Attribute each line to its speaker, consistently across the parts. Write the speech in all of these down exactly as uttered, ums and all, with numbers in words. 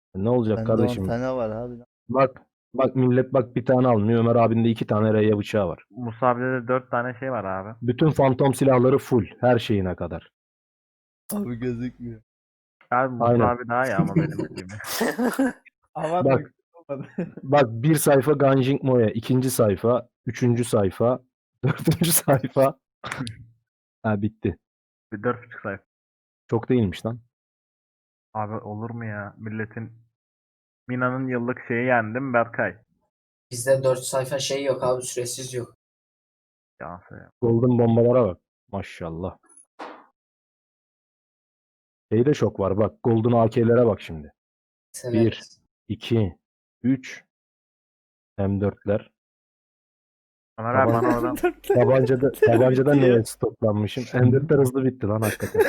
Speaker 1: Ne olacak
Speaker 2: Bende on
Speaker 1: kardeşim?
Speaker 2: tane var abi.
Speaker 1: Bak bak millet bak bir tane almıyor. Ömer abinde iki tane reyya bıçağı var.
Speaker 3: Musa abide de dört tane şey var abi.
Speaker 1: Bütün fantom silahları full. Her şeyine kadar.
Speaker 2: Abi gözükmüyor.
Speaker 3: Abi Musa
Speaker 1: Aynen.
Speaker 3: abi daha iyi ama benim bildiğim.
Speaker 4: Abartmak
Speaker 1: Bak
Speaker 4: olmadı.
Speaker 1: bak bir sayfa Ganjing Moya. ikinci sayfa. Üçüncü sayfa. Dördüncü sayfa. Ha bitti.
Speaker 3: Bir dört buçuk sayfa.
Speaker 1: Çok değilmiş lan.
Speaker 3: Abi olur mu ya? Milletin Mina'nın yıllık şeyi yendim Berkay.
Speaker 5: Bizde dört sayfa şey yok abi, süresiz yok.
Speaker 3: Yansı ya.
Speaker 1: Golden bombalara bak. Maşallah. Şeyde şok var bak. Golden A K'lere bak şimdi.
Speaker 5: Severiz.
Speaker 1: iki, üç, M dörtler.
Speaker 3: Ömer abi
Speaker 1: Taban-
Speaker 3: bana oradan
Speaker 1: Tabancada, tabancada
Speaker 2: Bitti ya.
Speaker 1: neye stoklanmışım? M dörtler hızlı bitti lan hakikaten.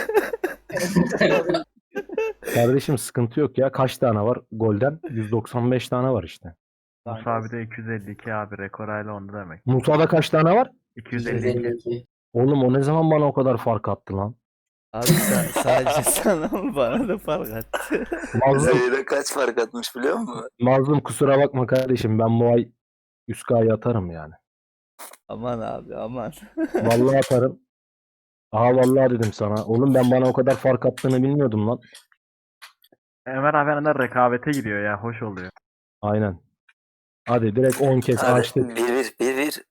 Speaker 1: Kardeşim sıkıntı yok ya. Kaç tane var? Golden yüz doksan beş tane var işte.
Speaker 3: Musa abi de iki yüz elli iki abi. Rekor hala onda demek.
Speaker 1: Musa'da kaç tane var?
Speaker 3: iki yüz elli iki.
Speaker 5: yüz elli iki.
Speaker 1: Oğlum o ne zaman bana o kadar fark attı lan?
Speaker 2: Abi sa- sadece sana mı bana da fark attı.
Speaker 1: Mazlum,
Speaker 6: Zeyre kaç fark atmış biliyor musun?
Speaker 1: mazlum kusura bakma kardeşim. Ben bu ay yüz K'yı atarım yani.
Speaker 2: Aman abi aman.
Speaker 1: Vallahi atarım. Aha vallahi dedim sana. Oğlum ben bana o kadar fark attığını bilmiyordum lan.
Speaker 3: Ömer abi benden rekabete gidiyor ya. Hoş oluyor.
Speaker 1: Aynen. Hadi direkt on kez
Speaker 6: Hadi
Speaker 1: açtık.
Speaker 6: bir bir bir bir.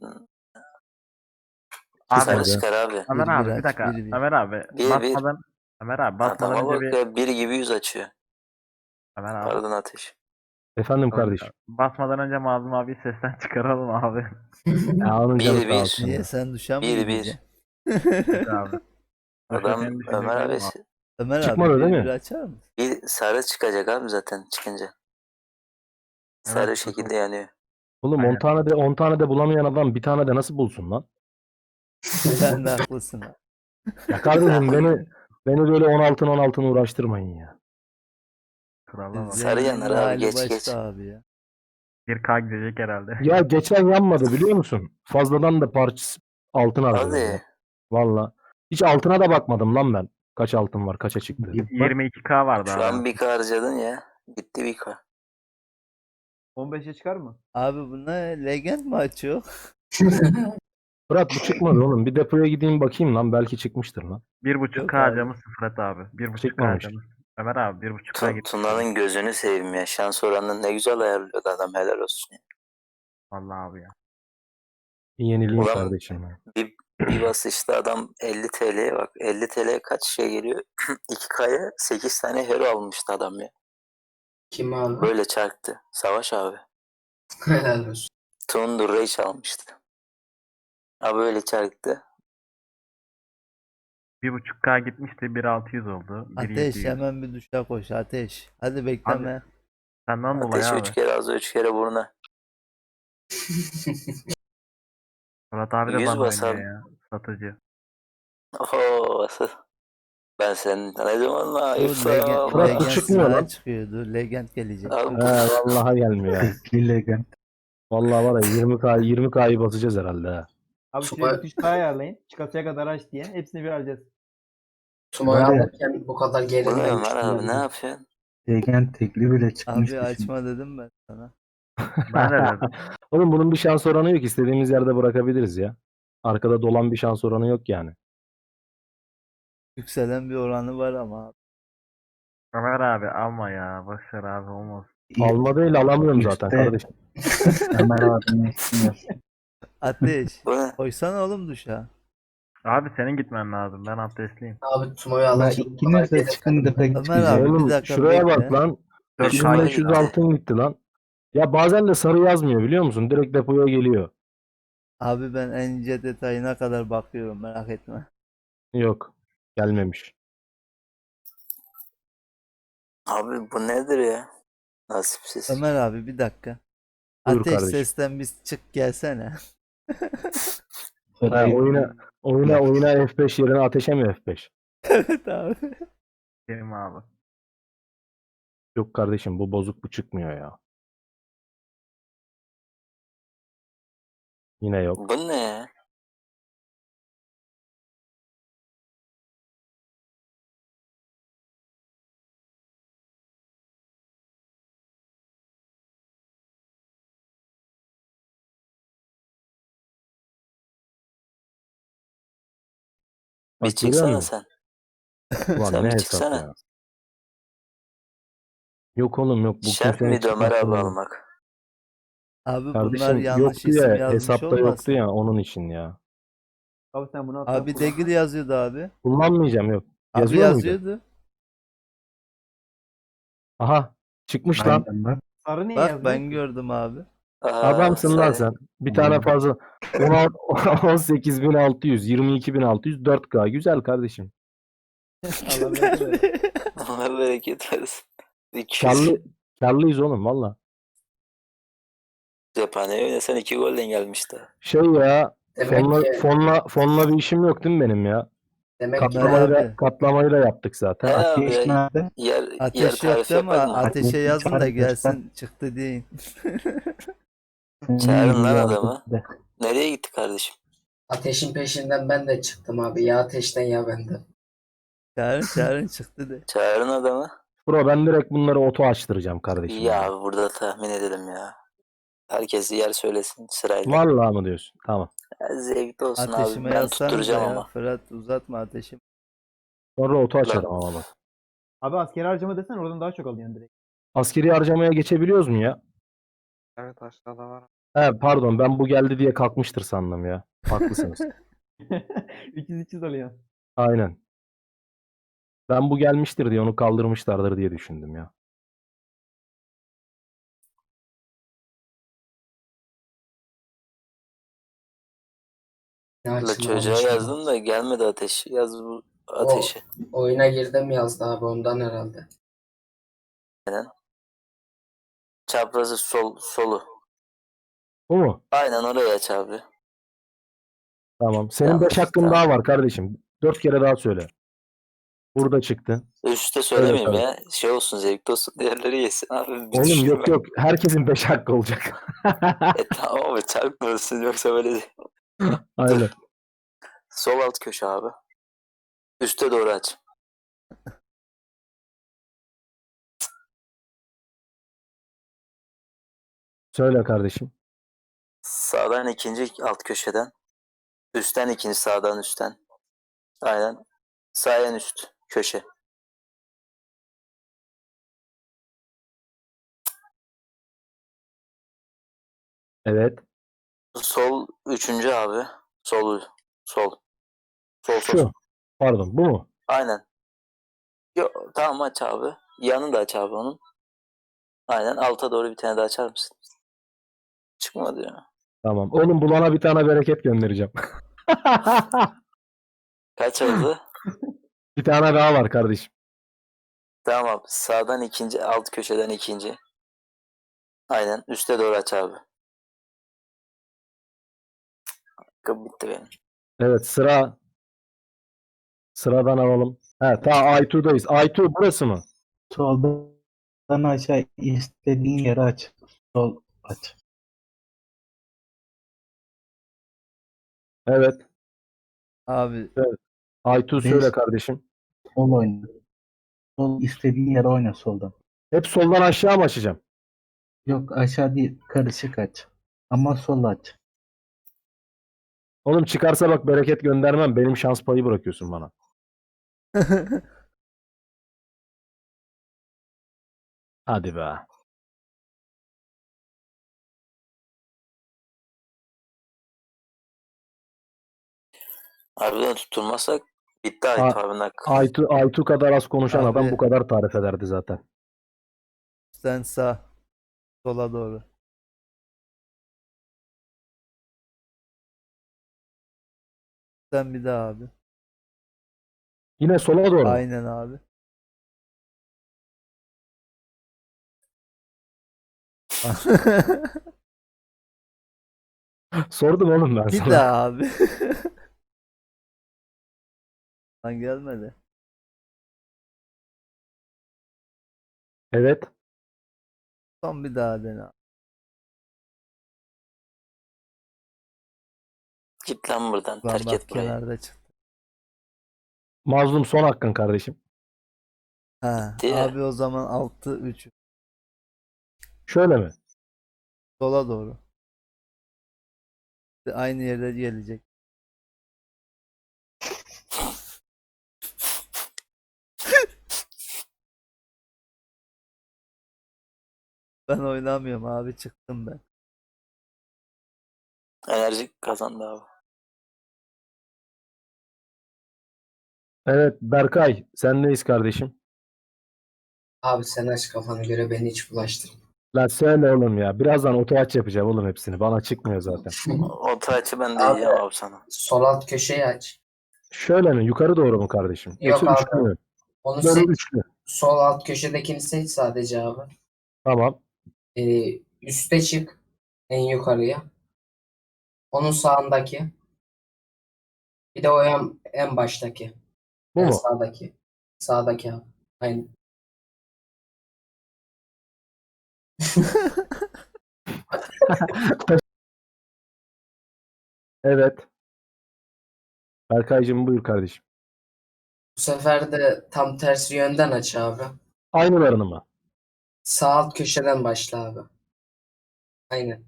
Speaker 3: Abi
Speaker 6: Sarı
Speaker 1: hadi.
Speaker 6: çıkar abi.
Speaker 3: Ömer
Speaker 2: Bir
Speaker 3: abi
Speaker 2: bir
Speaker 3: bir
Speaker 2: aç,
Speaker 3: dakika.
Speaker 2: bir bir.
Speaker 3: Ömer abi
Speaker 6: Bir bir.
Speaker 3: basmadan Ömer abi basmadan
Speaker 6: Adama
Speaker 3: önce
Speaker 6: bak
Speaker 3: bir
Speaker 6: ya, bir gibi yüz açıyor.
Speaker 3: Ömer abi.
Speaker 6: Pardon Ateş.
Speaker 1: Efendim kardeşim.
Speaker 3: Basmadan önce Mazlum abi sesten çıkaralım abi.
Speaker 1: Ya onun canı
Speaker 6: Bir
Speaker 1: sağ
Speaker 6: bir.
Speaker 1: olsun
Speaker 2: Niye
Speaker 1: ya.
Speaker 2: sen duşa mı
Speaker 6: Bir bir.
Speaker 2: gideceksin?
Speaker 3: Yok abi.
Speaker 6: Adam
Speaker 3: Senin düşüncen
Speaker 6: Ömer
Speaker 3: değil
Speaker 6: abi
Speaker 3: mi?
Speaker 2: Ömer
Speaker 1: Çıkmadı
Speaker 2: abi
Speaker 1: değil
Speaker 2: bir
Speaker 1: mi?
Speaker 2: bir açar mısın?
Speaker 6: bir sarı çıkacak abi zaten çıkınca. Sarı
Speaker 3: Evet,
Speaker 6: şekilde yanıyor.
Speaker 1: Oğlum on
Speaker 3: Aynen.
Speaker 1: tane de on tane de bulamayan adam bir tane de nasıl bulsun lan?
Speaker 2: Sen de haklısın abi.
Speaker 1: Ya kardeşim beni beni böyle on altın on altın uğraştırmayın ya.
Speaker 3: Krala bak.
Speaker 6: Sarı yanar
Speaker 2: Zenginin
Speaker 6: abi,
Speaker 2: hali
Speaker 6: geç,
Speaker 2: başka
Speaker 6: geç.
Speaker 2: abi ya.
Speaker 3: bir K gidecek herhalde.
Speaker 1: Ya geçen yanmadı biliyor musun? Fazladan da parça altın harcadım ya.
Speaker 6: Hadi.
Speaker 1: Valla. Hiç altına da bakmadım lan ben. Kaç altın var, kaça çıktı.
Speaker 3: yirmi iki K vardı
Speaker 6: Şu
Speaker 3: abi.
Speaker 6: an bir K harcadın ya. Gitti bir K.
Speaker 4: on beşe çıkar mı?
Speaker 2: Abi bu ne? Legend mi açıyor?
Speaker 1: Fırat bu çıkmadı oğlum. Bir depoya gideyim bakayım lan. Belki çıkmıştır lan.
Speaker 3: bir buçuk
Speaker 2: Yok
Speaker 3: K
Speaker 2: abi.
Speaker 3: harcamış Fırat abi. bir buçuk K
Speaker 1: Çıkmamış.
Speaker 3: harcamış. Ömer abi bir buçuk K
Speaker 6: Tu-
Speaker 3: gitti.
Speaker 6: Tuna'nın gözünü seveyim ya. Şans oranını ne güzel ayarlıyordu adam, helal olsun. ya.
Speaker 3: Vallahi abi ya.
Speaker 1: Yenileyim
Speaker 6: Ulan
Speaker 1: kardeşim ya.
Speaker 6: bir, bir basışta adam elli T L'ye bak. elli T L'ye kaç şey geliyor? iki K'ya sekiz tane hero almıştı adam ya.
Speaker 5: Kim abi?
Speaker 6: Böyle çarptı. Savaş abi.
Speaker 5: Helal olsun.
Speaker 6: Tundur Rage almıştı. Ha böyle çarptı.
Speaker 3: bir buçuk K gitmişti. bir altı yüz oldu. bir
Speaker 2: Ateş
Speaker 3: yedi yüz.
Speaker 2: hemen bir duşa koş Ateş. Hadi bekleme.
Speaker 3: Senden dolayı
Speaker 6: Ateş
Speaker 3: abi.
Speaker 6: üç kere ağzı üç kere buruna.
Speaker 3: Fırat abi de
Speaker 6: yüz
Speaker 3: bana
Speaker 6: basar.
Speaker 3: oynuyor ya. Satıcı.
Speaker 6: Oho. Ben senin ne zaman
Speaker 2: Dur
Speaker 6: ayıpsam.
Speaker 2: legend,
Speaker 1: Fırat,
Speaker 2: legend
Speaker 1: çıkmıyor
Speaker 2: silahı
Speaker 1: lan.
Speaker 2: çıkıyor. Dur legend gelecek.
Speaker 6: Abi,
Speaker 1: He vallahi gelmiyor ya.
Speaker 7: Legend.
Speaker 1: Vallahi var ya yirmi K yirmi K'yı basacağız herhalde ha.
Speaker 4: Abi
Speaker 5: Süper.
Speaker 4: şuraya bir tuş daha ayarlayın. Çıkasıya kadar aç diye. Hepsini bir alacağız.
Speaker 5: Tumo'yu
Speaker 7: Var ya.
Speaker 5: alırken bu kadar
Speaker 6: bu ne
Speaker 5: gerilmemiş.
Speaker 6: Ömer abi, ne yapıyorsun?
Speaker 7: Legend tekli bile çıkmış.
Speaker 2: Abi açma dedim ben sana.
Speaker 3: Ben de dedim.
Speaker 1: Oğlum bunun bir şans oranı yok. İstediğimiz yerde bırakabiliriz ya. Arkada dolan bir şans oranı yok yani.
Speaker 2: Yükselen bir oranı var ama abi.
Speaker 3: Ömer abi alma ya. Boşver abi olmaz.
Speaker 1: Alma değil alamıyorum zaten
Speaker 7: Üstte-
Speaker 1: kardeşim.
Speaker 7: Ömer abinin ismi.
Speaker 2: Ateş.
Speaker 6: Bu ne?
Speaker 2: Koysana oğlum duşa.
Speaker 3: Abi senin gitmen lazım. Ben abdestliyim.
Speaker 5: Abi Tumo'yu
Speaker 7: Ama
Speaker 5: alırken bu kadar
Speaker 7: ikiniz de çıkın da pek
Speaker 2: Ömer
Speaker 7: çıkacak.
Speaker 2: abi, bir
Speaker 1: Oğlum
Speaker 2: dakika
Speaker 1: şuraya
Speaker 2: bekle.
Speaker 1: bak lan.
Speaker 3: dört
Speaker 6: Üç
Speaker 3: K
Speaker 6: K'ya
Speaker 1: beş yüz
Speaker 6: gitti.
Speaker 1: altın gitti lan. Ya bazen de sarı yazmıyor biliyor musun? Direkt depoya geliyor.
Speaker 2: Abi ben en ince detayına kadar bakıyorum merak etme.
Speaker 1: Yok. Gelmemiş.
Speaker 6: Abi bu nedir ya? Nasipsiz.
Speaker 2: Ömer abi bir dakika.
Speaker 1: Buyur
Speaker 2: Ateş
Speaker 1: kardeşim.
Speaker 2: sesten biz çık gelsene.
Speaker 1: Ha, oyuna oyuna oyuna F beş yerine ateşe mi F beş?
Speaker 2: Evet abi.
Speaker 3: Benim abi.
Speaker 1: Yok kardeşim bu bozuk bu çıkmıyor ya. Yine yok.
Speaker 6: Bu ne ya? Bir
Speaker 1: Bak görüyor
Speaker 6: çıksana
Speaker 1: musun?
Speaker 6: sen.
Speaker 1: Ulan
Speaker 6: Sen
Speaker 1: ne
Speaker 6: bir
Speaker 1: hesap
Speaker 6: çıksana.
Speaker 1: ya. Yok oğlum yok. Bu
Speaker 6: Şart
Speaker 1: kimsenin
Speaker 6: mıydı Ömer
Speaker 1: çıkmasını
Speaker 6: abi
Speaker 1: yok.
Speaker 6: almak?
Speaker 2: Abi bunlar
Speaker 1: Kardeşim
Speaker 2: yanlış
Speaker 1: yoktu
Speaker 2: isim
Speaker 1: ya.
Speaker 2: yazmış
Speaker 1: Hesapta yoktu
Speaker 2: olmasın?
Speaker 1: ya onun için ya.
Speaker 4: Abi sen bunu atla
Speaker 2: Abi Degil yazıyordu abi.
Speaker 1: Kullanmayacağım yok.
Speaker 2: Abi
Speaker 1: Yazıyor muydu?
Speaker 2: yazıyordu.
Speaker 1: Aha. Çıkmış lan.
Speaker 7: Aynen bak.
Speaker 4: Sarı niye
Speaker 2: Bak
Speaker 4: yazmıyor
Speaker 2: ben
Speaker 4: ki?
Speaker 2: gördüm abi.
Speaker 6: Aa,
Speaker 1: Adamsın lan
Speaker 6: sen.
Speaker 1: sen. Bir tane
Speaker 7: Aynen.
Speaker 1: fazla. on sekiz bin altı yüz, yirmi iki bin altı yüz, dört K. Güzel kardeşim.
Speaker 4: Allah bereket versin.
Speaker 6: Allah bereket versin. iki yüz
Speaker 1: Karlı, karlıyız oğlum valla.
Speaker 6: cephaneye oynasan iki golden gelmişti.
Speaker 1: Şey ya.
Speaker 5: Demek
Speaker 1: Fonla,
Speaker 5: ki
Speaker 1: fonla, fonla bir işim yok değil mi benim ya?
Speaker 5: demek ki
Speaker 1: Katlamayı da,
Speaker 2: abi.
Speaker 1: katlamayı da yaptık
Speaker 6: He
Speaker 1: zaten.
Speaker 6: abi
Speaker 7: Ateş
Speaker 6: ya,
Speaker 7: nerede?
Speaker 6: yer, yer
Speaker 2: Ateş yok
Speaker 6: tarifi
Speaker 2: değil mi?
Speaker 6: yapak mı?
Speaker 2: Ateşe
Speaker 7: Ateşi
Speaker 2: yazın da
Speaker 7: çağır
Speaker 2: gelsin çıktı deyin.
Speaker 6: Çağırın lan
Speaker 7: İyi
Speaker 6: adamı.
Speaker 7: de.
Speaker 6: Nereye gitti kardeşim?
Speaker 5: ateşin peşinden ben de çıktım abi. Ya ateşten ya benden.
Speaker 2: Çağırın çağırın çıktı de.
Speaker 6: Çağırın adamı.
Speaker 1: Bro ben direkt bunları oto açtıracağım kardeşim.
Speaker 6: Ya
Speaker 1: Ya.
Speaker 6: abi burada tahmin edelim ya. Herkes yer söylesin sırayla.
Speaker 1: Vallahi mı diyorsun? Tamam.
Speaker 6: Ya zevkli olsun
Speaker 2: Ateşime
Speaker 6: abi. Ben
Speaker 2: yazsanız da
Speaker 6: tutturacağım
Speaker 2: ya.
Speaker 6: ama.
Speaker 2: Fırat uzatma ateşim.
Speaker 1: Sonra oto açarım ama bak.
Speaker 4: Abi askeri harcama desen oradan daha çok alıyorsun direkt.
Speaker 1: Askeri harcamaya geçebiliyoruz mu ya?
Speaker 3: Evet aşağıda var.
Speaker 1: He pardon ben bu geldi diye kalkmıştır sandım ya. Haklısınız.
Speaker 4: üç yüz üç yüz alıyorsun.
Speaker 1: Aynen. Ben bu gelmiştir diye onu kaldırmışlardır diye düşündüm ya.
Speaker 5: Ne
Speaker 6: La
Speaker 5: açılmamış
Speaker 6: çocuğa
Speaker 5: bu.
Speaker 6: yazdım da gelmedi ateş. Yaz bu ateşi.
Speaker 5: Oyuna girdim yazdı abi ondan herhalde.
Speaker 6: Çaprazı sol solu.
Speaker 1: Bu mu?
Speaker 6: Aynen oraya aç abi.
Speaker 1: Tamam. Senin
Speaker 6: Yanlış,
Speaker 1: beş hakkın
Speaker 6: tamam.
Speaker 1: daha var kardeşim. dört kere daha söyle. Burada çıktı.
Speaker 6: Üste söylemeyeyim
Speaker 1: Evet,
Speaker 6: ya. Şey olsun zevkli olsun. Diğerleri yesin abi. Bir
Speaker 1: Oğlum
Speaker 6: düşünme.
Speaker 1: yok yok. Herkesin beş hakkı olacak.
Speaker 6: E tamam ama çarpmıyorsun yoksa böyle değil.
Speaker 1: Aynen.
Speaker 6: Sol alt köşe abi. Üste doğru aç.
Speaker 1: Söyle kardeşim.
Speaker 6: Sağdan ikinci alt köşeden. Üstten ikinci sağdan üstten. Aynen. Sağ en üst köşe.
Speaker 1: Evet.
Speaker 6: Sol üçüncü abi. Sol sol. Sol sol.
Speaker 1: Şu. Pardon bu mu?
Speaker 6: Aynen. Yo, tamam aç abi. Yanını da aç abi onun. Aynen alta doğru bir tane daha açar mısın? Çıkmadı ya.
Speaker 1: Tamam. Oğlum bulana bir tane bereket göndereceğim.
Speaker 6: Kaç oldu?
Speaker 1: Bir tane daha var kardeşim.
Speaker 6: Tamam abi. Sağdan ikinci, alt köşeden ikinci. Aynen. Üste doğru aç abi. Kapı bitti benim.
Speaker 1: Evet sıra sıradan alalım. He ta Aytu'dayız. Aytu burası mı?
Speaker 7: Soldan aşağı istediğin yere aç. Sol aç.
Speaker 1: Evet.
Speaker 2: Abi
Speaker 1: Aytu
Speaker 7: Beş.
Speaker 1: söyle kardeşim.
Speaker 7: Sol oyna. Sol istediğin yere oyna soldan.
Speaker 1: Hep soldan aşağı mı açacağım?
Speaker 7: Yok aşağı değil karışık aç. Ama sol aç.
Speaker 1: Oğlum çıkarsa bak bereket göndermem. Benim şans payı bırakıyorsun bana. Hadi be.
Speaker 6: Harbiden tutturmazsak bitti Aytu abinin hakkı.
Speaker 1: Aytu, Aytu kadar az konuşan
Speaker 2: Abi.
Speaker 1: adam bu kadar tarif ederdi zaten.
Speaker 2: sen sağ. Sola doğru. Sen bir daha abi.
Speaker 1: Yine sola doğru. mu?
Speaker 2: Aynen abi.
Speaker 1: Sordum oğlum ben
Speaker 2: Bir
Speaker 1: sana.
Speaker 2: daha abi. Lan gelmedi.
Speaker 1: Evet.
Speaker 2: Son bir daha dene abi.
Speaker 6: Git lan buradan.
Speaker 2: Lan
Speaker 6: Terk
Speaker 2: bak
Speaker 6: et burayı.
Speaker 2: kenarda çıktı.
Speaker 1: Mazlum son hakkın kardeşim.
Speaker 2: Ha,
Speaker 6: Bitti ya.
Speaker 2: abi o zaman altı üç.
Speaker 1: Şöyle mi?
Speaker 2: Sola doğru. Aynı yerde gelecek. Ben oynamıyorum abi, çıktım ben.
Speaker 6: Enerji kazandı abi.
Speaker 1: Evet Berkay sendeyiz kardeşim.
Speaker 5: Abi sen aç kafanı göre beni hiç bulaştırma.
Speaker 1: Lan söyle oğlum ya. Birazdan oto aç yapacağım oğlum hepsini. Bana çıkmıyor zaten.
Speaker 6: Orta açı ben de
Speaker 5: Abi,
Speaker 6: diyeceğim abi sana.
Speaker 5: Sol alt köşeyi aç.
Speaker 1: Şöyle mi? Yukarı doğru mu kardeşim?
Speaker 5: Yok
Speaker 1: Yoksa
Speaker 5: abi.
Speaker 1: üçlü mü?
Speaker 5: Onu
Speaker 1: Böyle
Speaker 5: seç.
Speaker 1: üçlü.
Speaker 5: Sol alt köşedekini seç sadece abi.
Speaker 1: Tamam.
Speaker 5: Ee, üste çık. En yukarıya. Onun sağındaki. Bir de o en, en baştaki.
Speaker 1: Bu
Speaker 5: En
Speaker 1: mu?
Speaker 5: sağdaki. Sağdaki abi. Aynen.
Speaker 1: Evet. Berkaycığım buyur kardeşim.
Speaker 5: Bu sefer de tam tersi yönden aç abi.
Speaker 1: Aynılarını mı?
Speaker 5: Sağ alt köşeden başla abi. Aynen.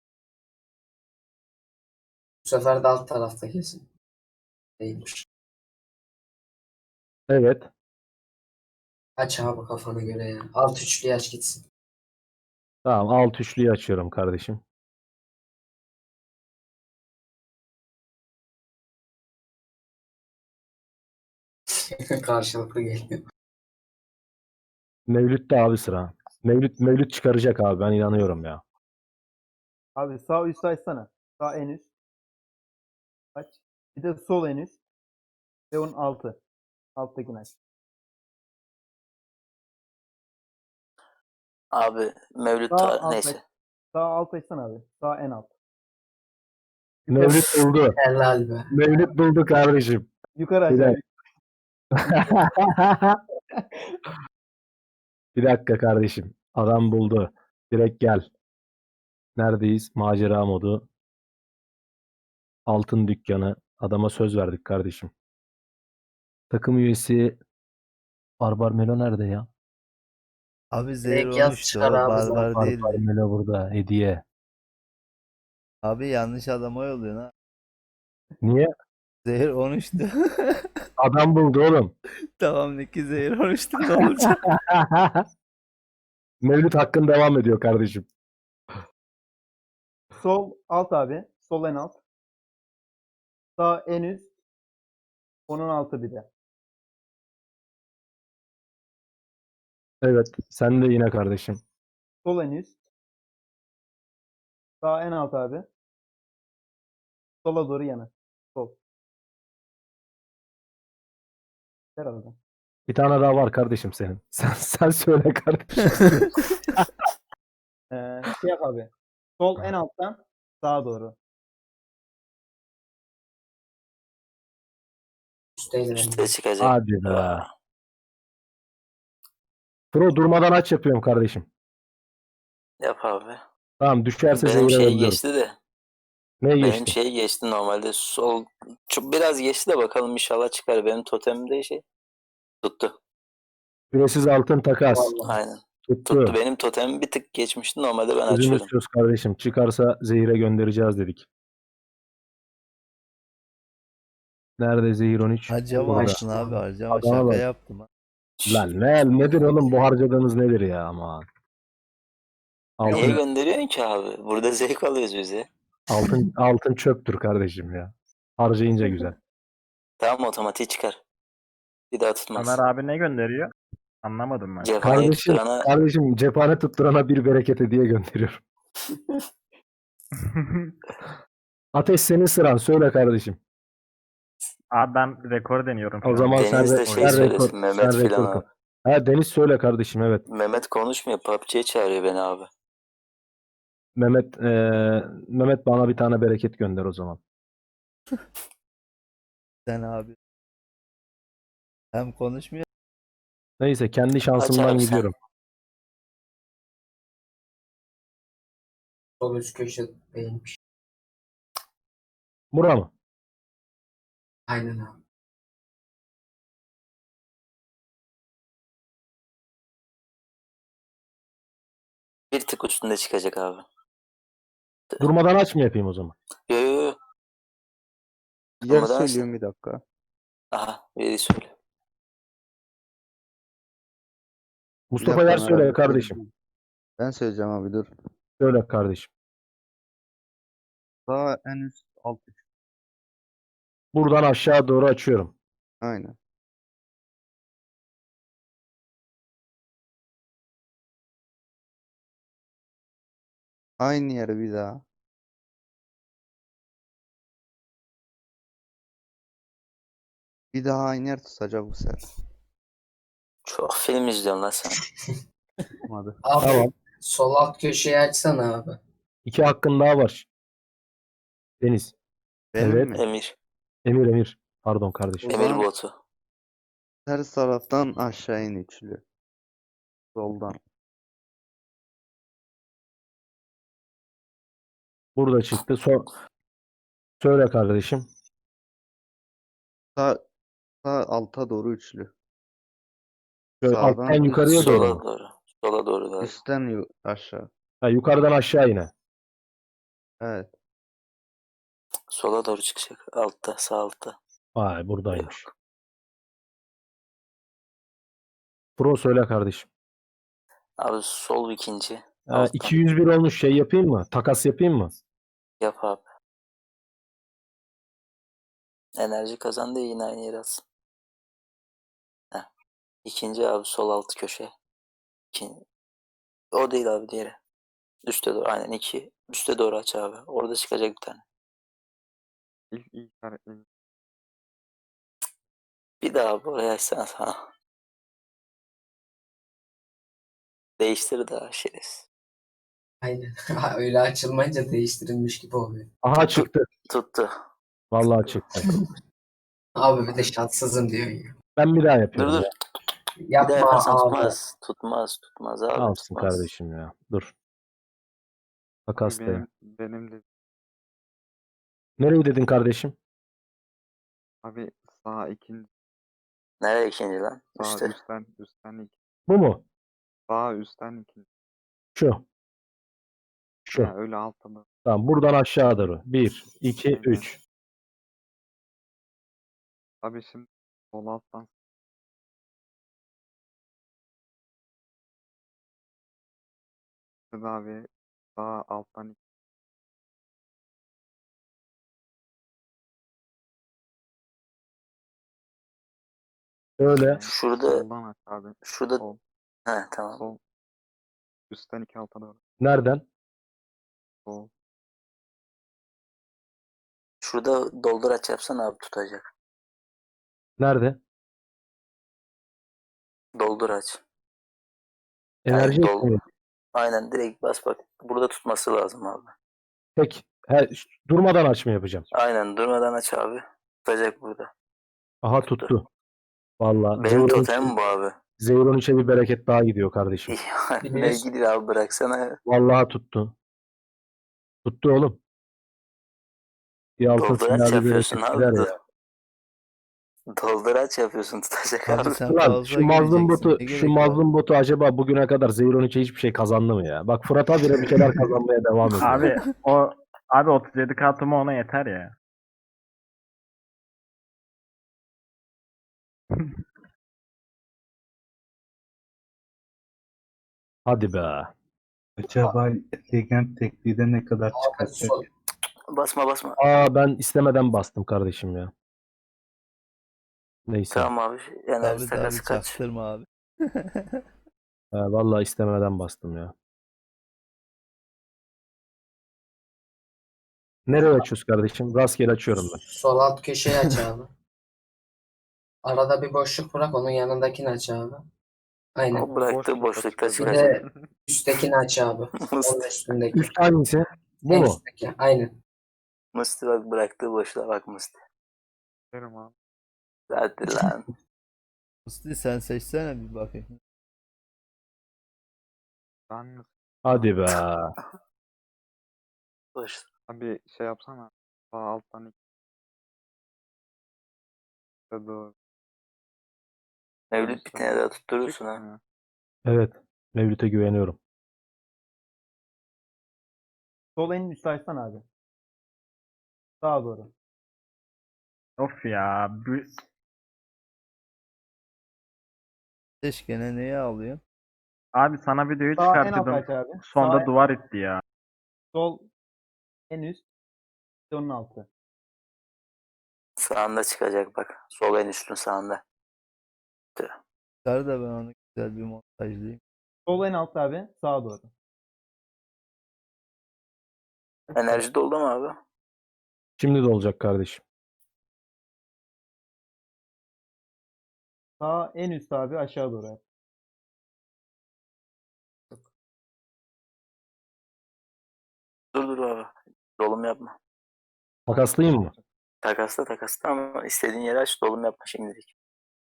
Speaker 5: Bu sefer de alt tarafta kesin. Değilmiş.
Speaker 1: Evet.
Speaker 5: Aç abi kafana göre ya. Alt üçlü aç gitsin.
Speaker 1: Tamam alt üçlüyü açıyorum kardeşim.
Speaker 5: Karşılıklı geliyor.
Speaker 1: Mevlüt'te abi sıra. Mevlüt, Mevlüt çıkaracak abi ben inanıyorum ya.
Speaker 4: Abi sağ üst açsana. Sağ en üst. Aç. Bir de sol en üst. Ve onun altı. Alttakini aç.
Speaker 6: Abi Mevlüt
Speaker 4: Sağ
Speaker 6: ta-
Speaker 4: alt
Speaker 6: neyse.
Speaker 4: aç. Sağ alt açsana abi. Sağ en alt.
Speaker 1: Mevlüt buldu.
Speaker 5: Helal be.
Speaker 1: Mevlüt buldu kardeşim.
Speaker 4: Yukarı aç
Speaker 1: Bir
Speaker 4: abi.
Speaker 1: Bir dakika kardeşim. Adam buldu. Direkt gel. Neredeyiz? Macera modu. Altın dükkanı. Adama söz verdik kardeşim. Takım üyesi Barbar Melo nerede ya?
Speaker 2: Abi zehir
Speaker 5: Direkt yaz
Speaker 2: olmuştu.
Speaker 5: çıkar
Speaker 2: O
Speaker 5: abi
Speaker 2: barbar
Speaker 5: zaten.
Speaker 1: Barbar
Speaker 2: değildi.
Speaker 1: Melo burada. Hediye.
Speaker 2: Abi yanlış adama yolluyorsun ha.
Speaker 1: Niye?
Speaker 2: Zehir olmuştu.
Speaker 1: Adam buldu oğlum.
Speaker 2: Tamam, Niki zehir olmuştu, ne olacak?
Speaker 1: Mevlüt hakkın devam ediyor kardeşim.
Speaker 4: Sol alt abi. Sol en alt. Sağ en üst. Onun altı bir de.
Speaker 1: Evet. Sen de yine kardeşim.
Speaker 4: Sol en üst. Sağ en alt abi. Sola doğru yana. Sol. Herhalde.
Speaker 1: Bir tane daha var kardeşim senin. Sen, sen söyle kardeşim.
Speaker 4: Ee, şey yap abi. Sol en alttan sağa doğru.
Speaker 5: Üstteydi
Speaker 6: Üste
Speaker 5: benim.
Speaker 6: çıkacak.
Speaker 1: Hadi be.
Speaker 6: Aa,
Speaker 1: Pro durmadan aç yapıyorum kardeşim.
Speaker 6: yap abi.
Speaker 1: Tamam düşerse
Speaker 6: Benim
Speaker 1: zehire
Speaker 6: şey
Speaker 1: yolluyorum.
Speaker 6: geçti de.
Speaker 1: Neye
Speaker 6: Benim
Speaker 1: geçti?
Speaker 6: şey geçti normalde. Sol çok biraz geçti de bakalım inşallah çıkar. Benim totemimde şey tuttu.
Speaker 1: Süresiz altın takas.
Speaker 5: Vallahi.
Speaker 6: Aynen.
Speaker 1: Tuttu.
Speaker 6: Tuttu. Benim totemim bir tık geçmişti. Normalde ben
Speaker 1: Sözümüz
Speaker 6: açıyorum.
Speaker 1: söz kardeşim. Çıkarsa zehire göndereceğiz dedik. Nerede zehir on üç?
Speaker 2: Harcamasın
Speaker 1: Burada.
Speaker 2: abi, harcama,
Speaker 1: Adama
Speaker 2: şaka
Speaker 1: bak.
Speaker 2: yaptım ha.
Speaker 1: Lan ne, nedir oğlum bu harcadığınız nedir ya aman.
Speaker 6: Niye
Speaker 1: Altın,
Speaker 6: gönderiyorsun ki abi? Burada zevk alıyoruz biz ya.
Speaker 1: altın, altın çöptür kardeşim ya. Harcayınca güzel.
Speaker 6: Tamam otomatik çıkar. Bir daha tutmaz.
Speaker 3: Ömer abi ne gönderiyor? Anlamadım ben.
Speaker 6: Cephaneyi
Speaker 1: Kardeşim,
Speaker 6: tutturana
Speaker 1: kardeşim cephane tutturana bir bereket hediye gönderiyorum. Ateş senin sıran söyle kardeşim.
Speaker 3: Abi ben rekor deniyorum şu
Speaker 1: O
Speaker 3: an.
Speaker 1: zaman sen,
Speaker 6: Deniz de
Speaker 1: re-
Speaker 6: şey
Speaker 1: sen
Speaker 6: söylesin,
Speaker 1: rekor,
Speaker 6: Mehmet
Speaker 1: sen rekor
Speaker 6: filan
Speaker 1: kal.
Speaker 6: abi.
Speaker 1: Ha Deniz söyle kardeşim evet.
Speaker 6: Mehmet konuşmuyor. P U B G'ye çağırıyor beni abi.
Speaker 1: Mehmet eee, Mehmet bana bir tane bereket gönder o zaman.
Speaker 2: Sen abi. Hem konuşmuyor.
Speaker 1: Neyse kendi şansımdan
Speaker 6: Açarım sen.
Speaker 1: gidiyorum.
Speaker 5: Sol üst köşe değilmiş.
Speaker 1: Bura mı?
Speaker 5: Aynen abi.
Speaker 6: Bir tık üstünde çıkacak abi.
Speaker 1: Durmadan aç mı yapayım o zaman?
Speaker 6: Yo yo yo.
Speaker 8: Yer
Speaker 6: Durmadan aç.
Speaker 8: söylüyorum bir dakika.
Speaker 6: Aha biri söyle.
Speaker 1: Mustafa
Speaker 8: dakika
Speaker 1: Yer
Speaker 8: Ömer
Speaker 1: söyle
Speaker 8: abi,
Speaker 1: kardeşim.
Speaker 2: Ben söyleyeceğim abi dur.
Speaker 1: Söyle kardeşim.
Speaker 2: Sağ en üst alt üç.
Speaker 1: Buradan aşağı doğru açıyorum.
Speaker 2: Aynen. Aynı yere bir daha. Bir daha aynı yer tutacak bu sefer.
Speaker 6: Çok film izliyorsun lan sen.
Speaker 2: Hadi.
Speaker 5: Abi
Speaker 1: Tamam.
Speaker 5: sol alt köşeyi açsana abi.
Speaker 1: İki hakkın daha var. Deniz.
Speaker 2: Benim
Speaker 1: Evet.
Speaker 2: mi?
Speaker 6: Emir.
Speaker 1: Emir Emir. Pardon kardeşim.
Speaker 2: O
Speaker 6: Emir
Speaker 2: zaman
Speaker 6: botu.
Speaker 2: ters taraftan aşağı in üçlü. Soldan.
Speaker 1: Burada çıktı. So Söyle kardeşim.
Speaker 2: Sağ, sağ alta doğru üçlü.
Speaker 1: Şöyle
Speaker 2: Sağdan
Speaker 1: alttan
Speaker 2: üst-
Speaker 1: yukarıya doğru
Speaker 6: Sola
Speaker 1: mu?
Speaker 6: doğru. Sola doğru galiba.
Speaker 2: üstten yu- aşağı.
Speaker 1: Ha, yukarıdan aşağı yine.
Speaker 2: Evet.
Speaker 6: Sola doğru çıkacak. Altta, sağ altta.
Speaker 1: Vay buradaymış. Pro söyle kardeşim.
Speaker 6: Abi sol ikinci.
Speaker 1: Ha,
Speaker 6: Alttan.
Speaker 1: iki yüz bir olmuş, şey yapayım mı? Takas yapayım mı?
Speaker 6: Yap abi. Enerji kazandı yine aynı yere atsın. Heh. İkinci abi sol alt köşe. İkinci. O değil abi diğeri. Üste doğru. Aynen iki. Üste doğru aç abi. Orada çıkacak bir tane.
Speaker 3: İlk ilk işaretleyin.
Speaker 6: Bir daha abi oraya açsana sana. Değiştir daha şerefsiz.
Speaker 5: Aynen. Öyle açılmayınca değiştirilmiş gibi oluyor.
Speaker 1: Aha çıktı.
Speaker 6: Tuttu.
Speaker 1: Vallahi çıktı.
Speaker 5: Abi bir de şanssızım diyor ya.
Speaker 1: Ben bir daha
Speaker 6: Dur
Speaker 1: yapıyorum
Speaker 6: dur.
Speaker 1: ya.
Speaker 6: Bir daha
Speaker 5: Yapma
Speaker 6: yaparsan
Speaker 5: abi.
Speaker 6: tutmaz. Tutmaz. Tutmaz abi.
Speaker 1: Alsın
Speaker 6: tutmaz.
Speaker 1: kardeşim ya. Dur.
Speaker 3: Abi
Speaker 1: Takaslayayım.
Speaker 3: benim, benim de
Speaker 1: Nereyi dedin kardeşim?
Speaker 3: abi sağ ikinci
Speaker 6: Nereye ikinci lan?
Speaker 3: sağ
Speaker 6: Üste.
Speaker 3: üstten üstten iki.
Speaker 1: Bu mu?
Speaker 3: Sağ üstten ikinci.
Speaker 1: Şu. Şu.
Speaker 3: Ya öyle altta da.
Speaker 1: Tamam. Buradan aşağı doğru. Bir, iki,
Speaker 3: Aynen.
Speaker 1: üç.
Speaker 3: Abi şimdi sol alttan abi sağ alttan iki.
Speaker 1: Öyle.
Speaker 3: Yani
Speaker 6: Şurada.
Speaker 3: soldan aç abi.
Speaker 6: Şurada.
Speaker 3: Sol.
Speaker 6: He tamam.
Speaker 3: Sol. Üstten iki alta doğru.
Speaker 1: Nereden?
Speaker 3: Sol.
Speaker 6: Şurada doldur aç yapsana abi tutacak.
Speaker 1: Nerede?
Speaker 6: Doldur aç.
Speaker 1: Enerji
Speaker 6: Aynen, dol-
Speaker 1: eklemeyi.
Speaker 6: Aynen direkt bas bak. Burada tutması lazım abi.
Speaker 1: Tek. He, durmadan aç mı yapacağım?
Speaker 6: Aynen durmadan aç abi. Tutacak burada.
Speaker 1: Aha tuttu. Vallahi
Speaker 6: Benim
Speaker 1: Zeyron
Speaker 6: totemim bu abi.
Speaker 1: Zeyron içe bir bereket daha gidiyor kardeşim.
Speaker 6: ne
Speaker 5: Biliyorsun.
Speaker 6: gidiyor abi bıraksana.
Speaker 1: Vallahi tuttu. Tuttu oğlum. Bir altın
Speaker 6: Doldur aç
Speaker 1: sinyali
Speaker 6: yapıyorsun
Speaker 1: bereket
Speaker 6: abi.
Speaker 1: gider
Speaker 6: Dur.
Speaker 1: ya.
Speaker 6: Doldur aç yapıyorsun tutacak abi.
Speaker 2: Abi sen
Speaker 1: Ulan
Speaker 2: fazla
Speaker 1: şu mazlum
Speaker 2: gireceksin.
Speaker 1: botu,
Speaker 2: Ne
Speaker 1: şu
Speaker 2: gerek var?
Speaker 1: mazlum botu acaba bugüne kadar Zeyron içe hiçbir şey kazandı mı ya? Bak Fırat abire bir şeyler kazanmaya devam ediyor.
Speaker 3: Abi o abi otuz yedi kartımı ona yeter ya.
Speaker 1: Hadi be.
Speaker 7: Acaba Legend tekliğde ne kadar
Speaker 5: Abi
Speaker 7: çıkartacak?
Speaker 5: sol.
Speaker 6: Basma basma.
Speaker 1: Aa ben istemeden bastım kardeşim ya. Neyse.
Speaker 6: Tamam abi. Enerji
Speaker 2: Abi
Speaker 6: takası
Speaker 2: abi
Speaker 6: kaç?
Speaker 2: çaktırma abi.
Speaker 1: Ha, vallahi istemeden bastım ya. Nereye açıyoruz kardeşim? Rastgele açıyorum ben.
Speaker 5: Sol alt köşeyi aç abi. Arada bir boşluk bırak, onun yanındakini aç abi. Aynen.
Speaker 6: O bıraktığı
Speaker 3: boşlukta
Speaker 6: boşlukta
Speaker 3: çıkıyor.
Speaker 5: Bir
Speaker 6: çıkacak.
Speaker 5: de üsttekini aç abi. Onun üstündeki.
Speaker 1: Üst hangisi? Bu
Speaker 5: En
Speaker 1: mu?
Speaker 5: üstteki. Aynen.
Speaker 6: Musti bak bıraktığı boşluğa bak Musti.
Speaker 3: Derim abi.
Speaker 6: Hadi lan.
Speaker 2: Musti sen seçsene bir bakayım.
Speaker 3: Ben
Speaker 1: Hadi be.
Speaker 6: Boş.
Speaker 3: abi şey yapsana. Sağ alttan iki. İşte doğru.
Speaker 6: Mevlüt bir tane daha tutturursun ha.
Speaker 3: Çıkmıyor.
Speaker 1: Evet. Mevlüt'e güveniyorum.
Speaker 4: Sol en üstü açsana abi. Sağa doğru.
Speaker 3: Of ya. Bir,
Speaker 2: Seçkene neyi alıyorsun?
Speaker 3: Abi sana videoyu
Speaker 4: Sağ en alt
Speaker 3: çıkarttım.
Speaker 4: aç abi.
Speaker 3: Sonda
Speaker 4: Sağ
Speaker 3: duvar itti ya.
Speaker 4: sol en üst. Bir de onun altı.
Speaker 6: Sağında çıkacak bak. Sol en üstün sağında.
Speaker 2: Çıkar da ben onu güzel bir montajlayayım.
Speaker 4: Sol en alt abi. Sağa doğru.
Speaker 6: Enerji doldu mu abi?
Speaker 1: Şimdi de olacak kardeşim.
Speaker 4: Sağ en üst abi aşağı doğru. abi.
Speaker 6: Dur dur abi. Dolum yapma.
Speaker 1: Takaslayayım mı?
Speaker 6: Takasla takasla ama istediğin yere aç, dolum yapma şimdilik.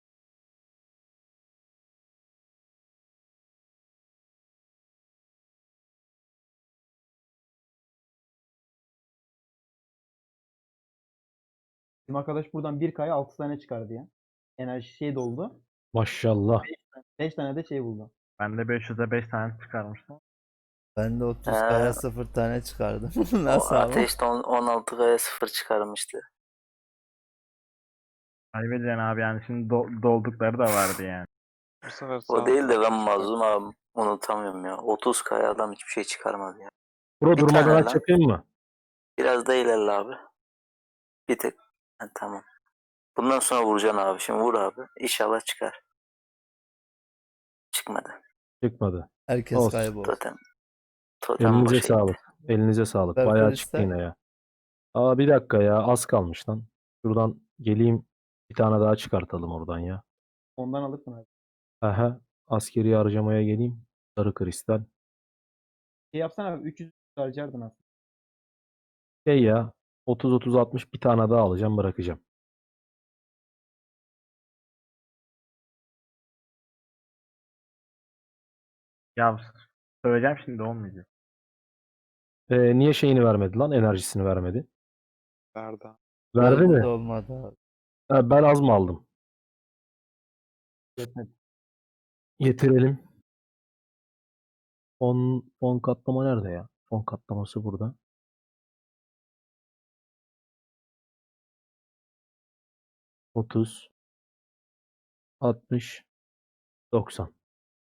Speaker 4: Bizim arkadaş buradan bir kaya altı tane çıkardı ya. Enerji şey doldu.
Speaker 1: Maşallah.
Speaker 4: beş tane de şey buldu.
Speaker 3: Ben de beş yüze beş tane çıkarmıştım.
Speaker 2: Ben de otuz
Speaker 6: Ee,
Speaker 2: kaya sıfır tane çıkardım.
Speaker 6: O
Speaker 2: Nasıl ama?
Speaker 6: ateşte on- 16 kaya sıfır çıkarmıştı.
Speaker 3: Kaybedeceksin abi yani şimdi do- doldukları da vardı yani.
Speaker 9: Bu sefer
Speaker 6: O
Speaker 9: sağ
Speaker 6: değil de
Speaker 9: taraf
Speaker 6: ben
Speaker 9: çıkar.
Speaker 6: mazlum abi. Unutamıyorum ya. otuz kaya adam hiçbir şey çıkarmadı ya.
Speaker 1: Bro
Speaker 6: Bir
Speaker 1: durmadan
Speaker 6: tane
Speaker 1: aç
Speaker 6: lan.
Speaker 1: yapayım mı?
Speaker 6: Biraz da ilerle abi. Bir tek. Ha, tamam. Bundan sonra vuracaksın abi. Şimdi vur abi. İnşallah çıkar. Çıkmadı.
Speaker 1: Çıkmadı.
Speaker 2: Herkes
Speaker 1: Olsun.
Speaker 2: kayboldu.
Speaker 6: Totem. Totem
Speaker 1: Elinize
Speaker 6: boşa
Speaker 1: sağlık.
Speaker 6: gitti.
Speaker 1: Elinize sağlık.
Speaker 2: Ver
Speaker 1: Bayağı
Speaker 2: Krista.
Speaker 1: çıktı yine ya. Aa bir dakika ya. Az kalmış lan. Şuradan geleyim. Bir tane daha çıkartalım oradan ya.
Speaker 4: Ondan alırsın abi.
Speaker 1: Aha. Askeri harcamaya geleyim. Sarı kristal.
Speaker 4: Şey yapsana abi üç yüz harcardın aslında.
Speaker 1: Şey ya. otuz otuz altmış bir tane daha alacağım, bırakacağım.
Speaker 3: Ya söyleyeceğim şimdi olmayacak.
Speaker 1: Ee, niye şeyini vermedi lan? Enerjisini vermedi.
Speaker 9: Nerede?
Speaker 1: Verdi
Speaker 2: Benim
Speaker 1: mi?
Speaker 2: de olmadı abi.
Speaker 1: Ha, ben az mı aldım?
Speaker 4: Yetmedi.
Speaker 1: Getirelim. Fon, fon katlama nerede ya? Fon katlaması burada. otuz, altmış, doksan.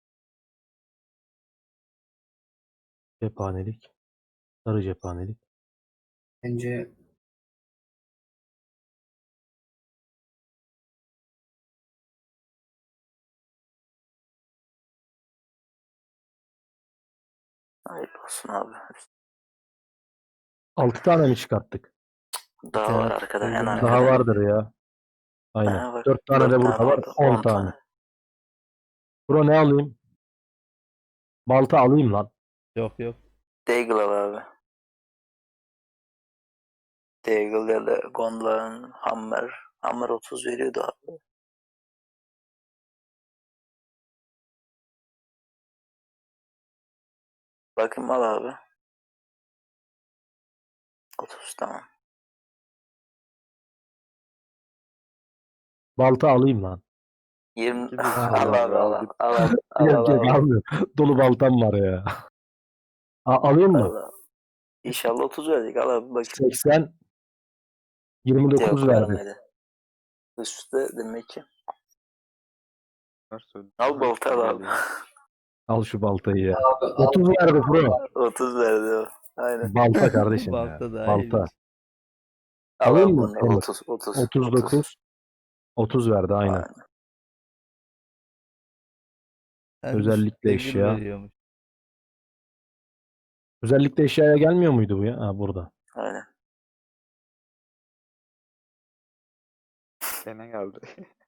Speaker 1: Cephanelik. Sarı cephanelik.
Speaker 5: Bence
Speaker 6: Hayırlı olsun abi.
Speaker 1: altı tane mi çıkarttık?
Speaker 6: Daha
Speaker 2: tane
Speaker 6: var arkada. En
Speaker 2: tutturdum ben.
Speaker 6: arkada.
Speaker 1: Daha vardır ya. Aynen.
Speaker 6: Daha var.
Speaker 1: dört tane
Speaker 6: Dört
Speaker 1: de burada
Speaker 6: tane
Speaker 1: var.
Speaker 6: orada.
Speaker 1: on
Speaker 6: on
Speaker 1: tane.
Speaker 6: tane.
Speaker 1: Bro ne alayım? Balta alayım lan.
Speaker 2: Yok yok.
Speaker 6: Deagle al abi. Deagle ya da Gondor'un Hammer. Hammer otuz veriyordu abi. Bakayım al abi. otuz tamam.
Speaker 1: Balta alayım lan.
Speaker 6: yirmi
Speaker 9: İki de
Speaker 6: al
Speaker 9: sağlam
Speaker 6: abi al
Speaker 9: aldık.
Speaker 6: al al al
Speaker 1: Yok
Speaker 6: al
Speaker 1: yok
Speaker 6: al.
Speaker 1: almıyorum. Dolu baltam var ya. A- alayım
Speaker 6: Al,
Speaker 1: mı?
Speaker 6: al. İnşallah otuz verecek. Al abi bakayım.
Speaker 1: seksen, yirmi dokuz
Speaker 6: Yok
Speaker 1: verdi.
Speaker 6: vermedi. Üstte demek ki.
Speaker 9: Ver söyle.
Speaker 6: Al balta al abi.
Speaker 9: Geliyor.
Speaker 1: Al şu baltayı ya.
Speaker 5: abi al.
Speaker 1: otuz verdi bro.
Speaker 6: otuz verdi o. Aynen.
Speaker 1: Balta kardeşim ya.
Speaker 2: Balta daha
Speaker 1: Balta.
Speaker 2: iyiymiş.
Speaker 6: Al
Speaker 1: Alayım
Speaker 6: abi
Speaker 1: mı?
Speaker 6: bunu.
Speaker 1: Olur.
Speaker 6: otuz otuz.
Speaker 1: otuz dokuz. otuz verdi aynen.
Speaker 6: Aynen.
Speaker 2: Hem
Speaker 1: Özellikle
Speaker 2: üstte gül
Speaker 1: eşya.
Speaker 2: veriyormuş.
Speaker 1: Özellikle eşyaya gelmiyor muydu bu ya? Ha burada.
Speaker 6: Aynen.
Speaker 9: Gene geldi.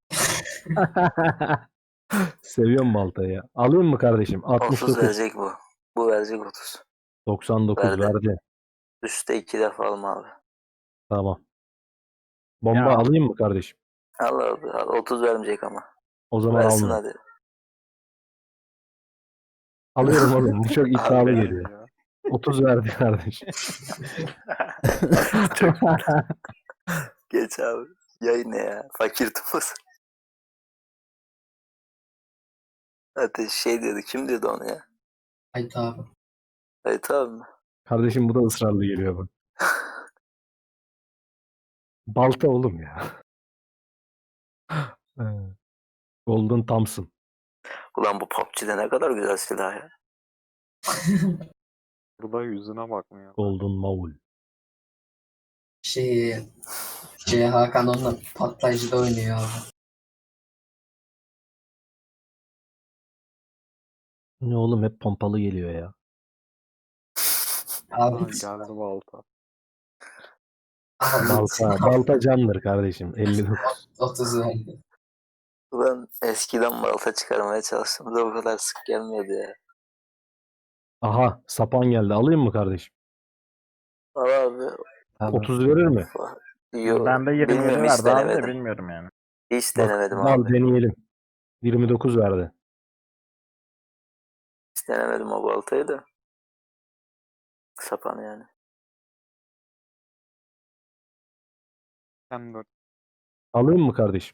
Speaker 1: Seviyorum baltayı ya. Alayım mı kardeşim? altmış
Speaker 6: otuz
Speaker 1: dokuz.
Speaker 6: verecek bu. Bu verecek otuz.
Speaker 1: doksan dokuz
Speaker 6: Verdi.
Speaker 1: verdi.
Speaker 6: Üstte iki defa alma abi.
Speaker 1: Tamam. Bomba
Speaker 3: Ya.
Speaker 1: alayım mı kardeşim?
Speaker 6: Al abi. Al. otuz vermeyecek ama.
Speaker 1: O zaman
Speaker 6: Versin
Speaker 1: almıyorum.
Speaker 6: hadi.
Speaker 1: Alıyorum oğlum. Bu çok iddialı
Speaker 6: Abi.
Speaker 1: geliyor.
Speaker 9: Ya.
Speaker 1: otuz verdi kardeşim.
Speaker 6: Geç abi. Yayın ne ya? Fakir tufası. Ateş şey dedi. Kim dedi onu ya?
Speaker 5: Haydi abi.
Speaker 6: Evet abi mi?
Speaker 1: Kardeşim bu da ısrarlı geliyor bak. Balta oğlum ya. Golden Thompson.
Speaker 6: Ulan bu P U B G'de ne kadar güzel silah ya.
Speaker 9: Burada yüzüne bakmıyor.
Speaker 1: Golden Maul.
Speaker 5: Şey, şey Hakan onunla patlayıcıda oynuyor abi.
Speaker 1: Ne oğlum hep pompalı geliyor ya.
Speaker 9: Aa,
Speaker 5: Abi,
Speaker 9: geldi balta.
Speaker 5: abi
Speaker 1: Balta, balta candır kardeşim. elli dokuz.
Speaker 5: otuz verdi.
Speaker 6: Ulan eskiden balta çıkarmaya çalıştım da o kadar sık gelmiyordu ya.
Speaker 1: Aha sapan geldi. Alayım mı kardeşim?
Speaker 6: Al abi.
Speaker 7: Abi,
Speaker 1: otuz verir mi?
Speaker 6: Yo,
Speaker 3: Ben de yirmi yedi
Speaker 6: bilmiyorum, hiç
Speaker 3: verdi abi de
Speaker 6: denemedim.
Speaker 3: bilmiyorum yani.
Speaker 6: Hiç
Speaker 1: Bak,
Speaker 6: denemedim
Speaker 1: al
Speaker 6: abi.
Speaker 1: deneyelim. yirmi dokuz verdi.
Speaker 6: Hiç denemedim o baltayı da. Sapan yani.
Speaker 9: Hem dört.
Speaker 1: Alayım mı kardeşim?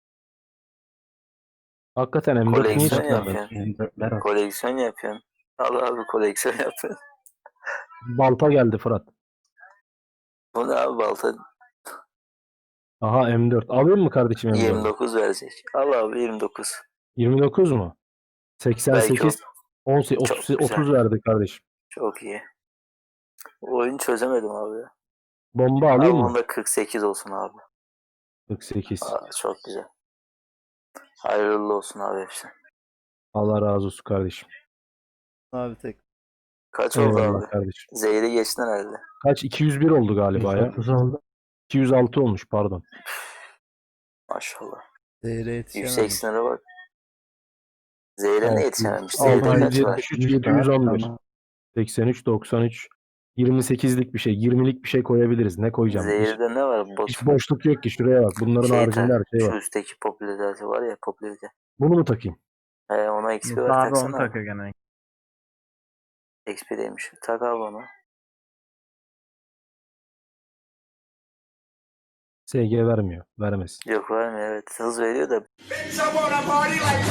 Speaker 1: Hakikaten M dört niye
Speaker 6: Koleksiyon
Speaker 1: çıkmadı?
Speaker 6: yapıyorsun.
Speaker 7: M dörtler al.
Speaker 6: Koleksiyon yapıyorsun. Al abi koleksiyon yapıyorsun.
Speaker 1: Balta geldi Fırat.
Speaker 6: Bu ne abi balta
Speaker 1: Aha M dört. Alayım mı kardeşim M
Speaker 6: yirmi
Speaker 1: dört?
Speaker 6: dokuz verecek. Al abi yirmi dokuz.
Speaker 1: yirmi dokuz mu? seksen sekiz. on sekiz,
Speaker 6: Çok
Speaker 1: otuz,
Speaker 6: güzel.
Speaker 1: otuz verdi kardeşim.
Speaker 6: Çok iyi. Oyunu çözemedim abi ya.
Speaker 1: Bomba
Speaker 6: Abi
Speaker 1: alayım mı?
Speaker 6: onda kırk sekiz olsun abi.
Speaker 1: kırk sekiz.
Speaker 6: Aa, çok güzel. Hayırlı olsun abi hepsi.
Speaker 1: Allah razı olsun kardeşim.
Speaker 2: Abi tek.
Speaker 6: Kaç oldu
Speaker 1: Eyvallah
Speaker 6: abi?
Speaker 1: kardeşim.
Speaker 6: Zehri geçtin herhalde.
Speaker 1: Kaç? iki yüz bir oldu galiba ya.
Speaker 7: yüz otuz oldu.
Speaker 1: iki yüz altı olmuş pardon.
Speaker 6: Maşallah.
Speaker 2: Zehre
Speaker 6: Yüksek
Speaker 2: yetişemedim.
Speaker 6: sınıra bak. Zehre
Speaker 1: Altı
Speaker 6: ne
Speaker 1: yüz,
Speaker 6: yetişememiş?
Speaker 1: altı
Speaker 6: Zehirde
Speaker 1: yüz
Speaker 6: kaç var?
Speaker 1: yetmiş üç, yedi yüz on bir.
Speaker 7: Tamam.
Speaker 1: seksen üç, doksan üç. yirmi sekizlik bir şey. yirmilik bir şey koyabiliriz. Ne koyacağım? Hiç,
Speaker 6: Zehirde ne var? Bot.
Speaker 1: hiç boşluk yok ki. Şuraya bak. Bunların
Speaker 6: Şey
Speaker 1: haricinde
Speaker 6: tak.
Speaker 1: her şey
Speaker 6: Şu
Speaker 1: var.
Speaker 6: üstteki popülerite var ya popülerite.
Speaker 1: Bunu mu takayım?
Speaker 6: He ona X P ver
Speaker 3: Musa abi onu
Speaker 6: taksana.
Speaker 3: takıyor gene.
Speaker 6: X P demiş. Tak abi onu.
Speaker 1: S G vermiyor. Vermesin.
Speaker 6: Yok vermiyor evet. Hız veriyor da.
Speaker 10: Bitch, I wanna party like